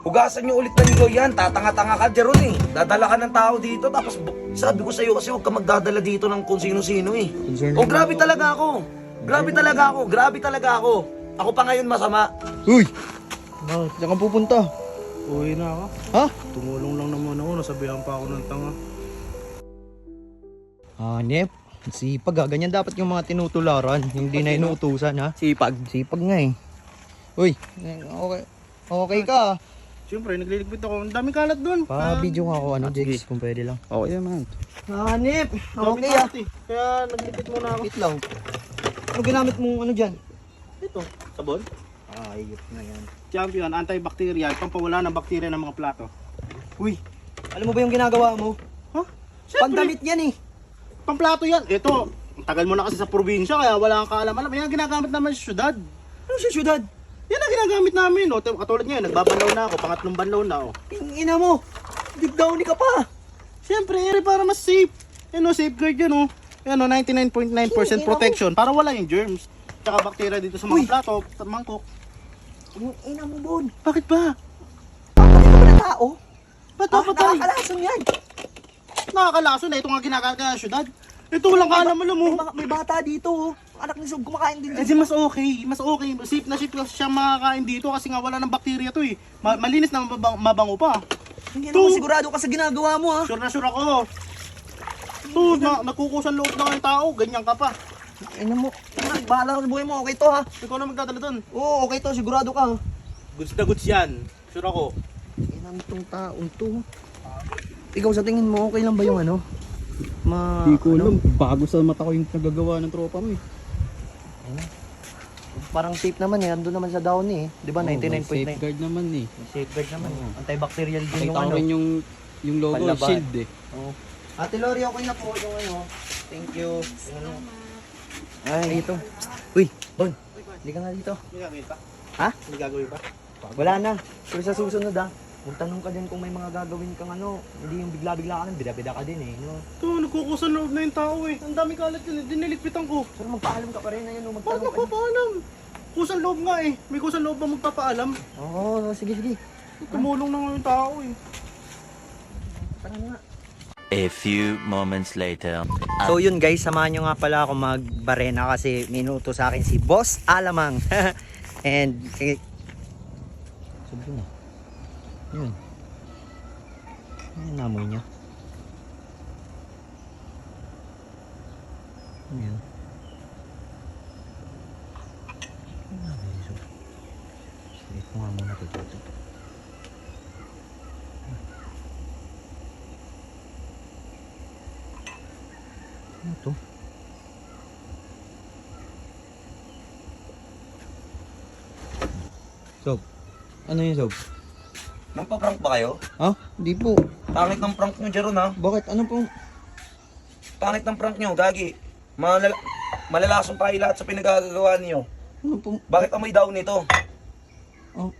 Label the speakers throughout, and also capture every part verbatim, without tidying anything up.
Speaker 1: Hugasan nyo ulit ng ligo yan, tatanga-tanga ka Jeron eh. Dadala ka ng tao dito, tapos bu- sabi ko sa'yo kasi huwag ka magdadala dito ng kung sino-sino eh.
Speaker 2: Concern
Speaker 1: Oh,
Speaker 2: naman
Speaker 1: grabe
Speaker 2: ako.
Speaker 1: talaga ako. Grabe talaga ako, grabe talaga ako. Ako pa ngayon masama.
Speaker 2: Uy! Bakit? Saan ka pupunta?
Speaker 3: Uwi na ako.
Speaker 2: Ha?
Speaker 3: Tumulong lang naman ako, nasabihan pa ako ng tanga.
Speaker 2: Hanep. Sipag ha. Ganyan dapat yung mga tinutularan. Hindi na inuutusan ha.
Speaker 1: Sipag.
Speaker 2: Sipag nga eh. Uy! eh, Okay. Okay ka ah.
Speaker 3: Siyempre, nagliligpit ako. Ang daming kalat doon.
Speaker 2: Pa-video nga ako ano, Jex, kung pwede lang.
Speaker 3: Okay naman.
Speaker 2: Hanep!
Speaker 3: Daming
Speaker 2: Okay ah.
Speaker 3: kalat eh. Kaya nagligpit muna ako.
Speaker 2: Wait lang. Ano ginamit mong ano dyan?
Speaker 3: Ito, sabon.
Speaker 2: Ah, ayop na yan.
Speaker 3: Champion, antibacterial, pampawala ng bakterya ng mga plato.
Speaker 2: Uy! Alam mo ba yung ginagawa mo?
Speaker 3: Huh? Siyempre,
Speaker 2: Pandamit yan eh.
Speaker 3: pamplato yan. Ito, ang tagal mo na kasi sa probinsya, kaya wala kang kaalam-alam. Yan ang ginagamit naman sa syudad.
Speaker 2: Ano sa syudad?
Speaker 3: Yan ang ginagamit namin. O, katulad ngayon, nagbabalaw na ako, pangatlong banlaw na ako.
Speaker 2: Ina mo! Big downy ka pa!
Speaker 3: Siyempre, yan eh, para mas safe. Yan o, safeguard yun o. Yan o, ninety-nine point nine percent protection para wala yung germs. Tsaka bakterya dito sa mga
Speaker 2: Uy!
Speaker 3: plato, sa mangkok.
Speaker 2: Yung ina mo, Bon.
Speaker 3: Bakit ba?
Speaker 2: Papatay ka ba ng tao?
Speaker 3: Ba't
Speaker 2: Ah,
Speaker 3: papatay?
Speaker 2: nakakalason yan.
Speaker 3: Nakakalaso na ito nga ginagamit ka ng syudad. Ito walang kaalam alam mo.
Speaker 2: May, mga- may bata dito oh. Anak ni Sob, kumakain din
Speaker 3: Eh di mas okay, mas okay. Safe na safe kasi siya makakain dito kasi nga wala ng bakterya to eh. Ma- malinis na mabang- mabango pa.
Speaker 2: Hindi
Speaker 3: to.
Speaker 2: naman sigurado ka sa ginagawa mo ha.
Speaker 3: Sure na sure ako. To, na, nagkukusan loob na ng tao, ganyan ka pa.
Speaker 2: Ina mo. Ah, bahala ka sa buhay mo. Okay to ha.
Speaker 3: Ikaw na magdadala doon.
Speaker 2: Oo, okay to. Sigurado ka ha.
Speaker 3: Goods na goods yan. Sure ako.
Speaker 2: Ina nitong taong to. Ikaw sa tingin mo, okay lang ba yung ano? Ma...
Speaker 4: Di ko
Speaker 2: ano?
Speaker 4: alam, bago sa mata ko yung nagagawa ng tropa mo eh.
Speaker 2: Parang safe naman eh. Andun naman sa downy eh. Di ba?
Speaker 4: Oo,
Speaker 2: ninety-nine point nine.
Speaker 4: may safeguard naman eh.
Speaker 2: Safeguard naman. Antibacterial din yung
Speaker 4: Kita ko
Speaker 2: ano.
Speaker 4: rin yung, yung logo,
Speaker 2: Panlaban.
Speaker 4: shield eh.
Speaker 2: Oo. Ate Lori, okay na po yung ano. Thank you. Ay, ito. Uy, Bon. Hindi ka nga dito.
Speaker 3: May gagawin pa?
Speaker 2: Ha?
Speaker 3: May gagawin pa?
Speaker 2: Wala na. Pero sa susunod ha, magtanong ka din kung may mga gagawin kang ano. Hindi yung bigla-bigla ka lang, bida-bida ka din eh. No?
Speaker 3: To, nagkukusan loob na yung tao eh. Ang dami kalat yun eh, diniligpitan ko.
Speaker 2: Pero magpaalam ka pa rin na yun. No?
Speaker 3: Paano
Speaker 2: Magtanong ka din.
Speaker 3: magpapaalam? Kusan loob nga eh. May kusan loob ba magpapaalam?
Speaker 2: Oo, sige, sige.
Speaker 3: Tumulong na nga yung tao eh.
Speaker 2: Tara na nga.
Speaker 5: A few moments later.
Speaker 2: So yun guys, samahan nyo nga pala ako magbarena kasi minuto sa akin si Boss Alamang. And eh, sabi ko na. Yun. Ano yung namoy niya? Ano yun? Ano yung namoy niya? Sige ko nga muna ito. Ano to? Sob. Ano yun, Sob?
Speaker 1: Magpa-prank ba kayo?
Speaker 2: Ha? Hindi po.
Speaker 1: Pangit ng prank nyo Jeron ha.
Speaker 2: Bakit? Ano po?
Speaker 1: Pangit ng prank nyo, gagi. Malala malalasong tayo lahat sa pinagagawa niyo.
Speaker 2: Ano po?
Speaker 1: Bakit amoy daw nito?
Speaker 2: Oh.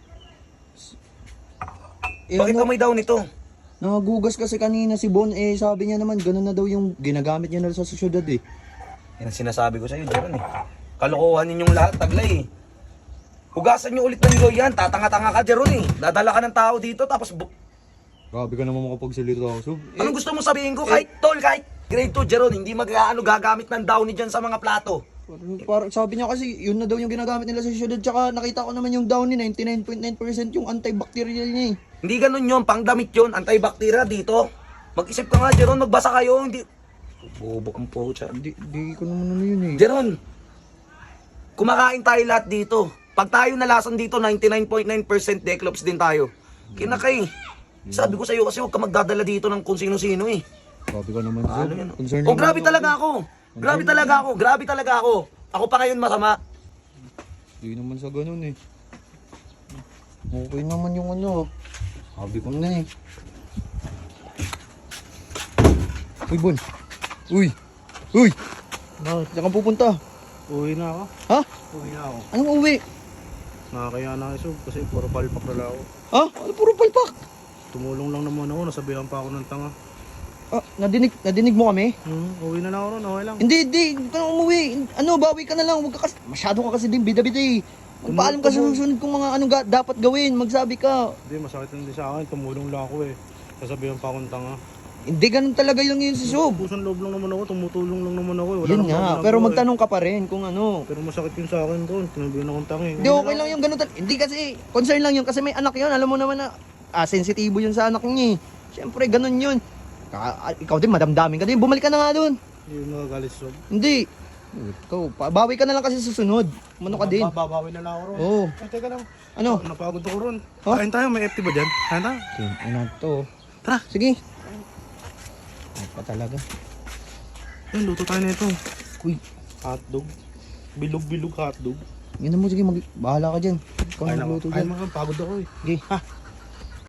Speaker 2: Eh,
Speaker 1: Bakit
Speaker 2: ano?
Speaker 1: amoy daw nito?
Speaker 2: Nakagugas kasi kanina si Bon. Eh, sabi niya naman, ganun na daw yung ginagamit niya na sa syudad eh.
Speaker 1: Yan ang sinasabi ko sa'yo, Jeron eh. Kalokohan ninyong lahat, taglay eh. Hugasan nyo ulit ng ligo yan, tatanga-tanga ka Jeron eh. Dadala ka ng tao dito, tapos bu-
Speaker 2: Grabe ka naman makapagsalita ako, Sob. Eh,
Speaker 1: anong gusto mo sabihin ko? Kahit tol, kahit grade two Jeron, hindi mag-ano gagamit ng downy dyan sa mga plato.
Speaker 2: parang, parang sabi niya kasi, yun na daw yung ginagamit nila sa syudad. Tsaka nakita ko naman yung downy, ninety-nine point nine percent yung antibacterial niya eh.
Speaker 1: Hindi ganun yun, pangdamit yun, antibacteria dito. Mag-isip ka nga Jeron, magbasa kayo, hindi... Bobo ang pocha.
Speaker 2: Di, di ko naman ano yun eh.
Speaker 1: Jeron, kumakain tayo lahat dito. Pag tayo nalasan dito, ninety-nine point nine percent declops din tayo. Kinakay. Sabi ko sa'yo kasi huwag ka magdadala dito ng kung sino-sino eh.
Speaker 2: Grabe ka naman, Sob.
Speaker 1: Ano yan?
Speaker 2: Concern
Speaker 1: Oh,
Speaker 2: naman
Speaker 1: grabe
Speaker 2: ako.
Speaker 1: talaga ako. Grabe talaga ako. Grabe talaga ako. Ako pa ngayon masama.
Speaker 2: Hindi naman sa ganun eh. Okay naman yung ano. Sabi ko na eh. Uy, Bon. Uy. Uy.
Speaker 3: Bakit?
Speaker 2: Saan ka pupunta?
Speaker 3: Uwi na ako.
Speaker 2: Ha?
Speaker 3: Uwi na ako.
Speaker 2: Anong uwi?
Speaker 3: Nakakaya na ako kasi puro palpak na lang ako.
Speaker 2: Ha? Ano puro palpak?
Speaker 3: Tumulong lang naman ako, nasabihan pa ako ng tanga.
Speaker 2: Ah, nadinig, nadinig mo kami?
Speaker 3: Hmm, uwi na lang ako ron, okay lang.
Speaker 2: Hindi, hindi. Huwag ka na umuwi. Ano, bawi ka na lang. Huwag ka kasi, masyado ka kasi din bida-bida eh. Magpaalam ka sa susunod kung mga anong ga- dapat gawin. Magsabi ka.
Speaker 3: Hindi, masakit lang din sa akin. Tumulong lang ako eh. Sasabihan pa akong tanga.
Speaker 2: Hindi ganun talaga yung yun si Sob.
Speaker 3: Pusan loob lang naman ako, tumutulong lang naman ako eh. Wala
Speaker 2: Yun
Speaker 3: namang
Speaker 2: nga,
Speaker 3: ginagawa
Speaker 2: pero
Speaker 3: eh.
Speaker 2: magtanong ka pa rin kung ano.
Speaker 3: Pero masakit yun sa akin doon. Tinabihan akong tanga eh.
Speaker 2: Hindi, okay lang yung ganun. tal- Hindi kasi, concern lang yun kasi may anak yun. Alam mo naman na, ah, sensitibo yun sa anak niya eh. Siyempre, ganun yun. Ka- ah, ikaw din, madamdamin ka din. Bumalik ka na nga doon.
Speaker 3: Yung nagagalit sob.
Speaker 2: Hindi. Ikaw, pa- bawi ka na lang kasi susunod. Mano ka din.
Speaker 3: Babawi na lang ako ron.
Speaker 2: Oo.
Speaker 3: Ay, teka lang.
Speaker 2: Ano?
Speaker 3: Napagod ako ron.
Speaker 2: Oh?
Speaker 3: Kain tayo, may F T ba dyan? Kain tayo.
Speaker 2: Ano to?
Speaker 3: Tara.
Speaker 2: Sige. Ay pa talaga.
Speaker 3: Yan, luto tayo nito.
Speaker 2: Uy,
Speaker 3: Hotdog. Bilog-bilog hotdog.
Speaker 2: yun na mo. Sige, mag- bahala ka dyan. Ikaw
Speaker 3: Kain
Speaker 2: na
Speaker 3: ako.
Speaker 2: magluto
Speaker 3: Kain
Speaker 2: dyan.
Speaker 3: mga, pagod ako eh.
Speaker 2: Sige.
Speaker 3: Ha?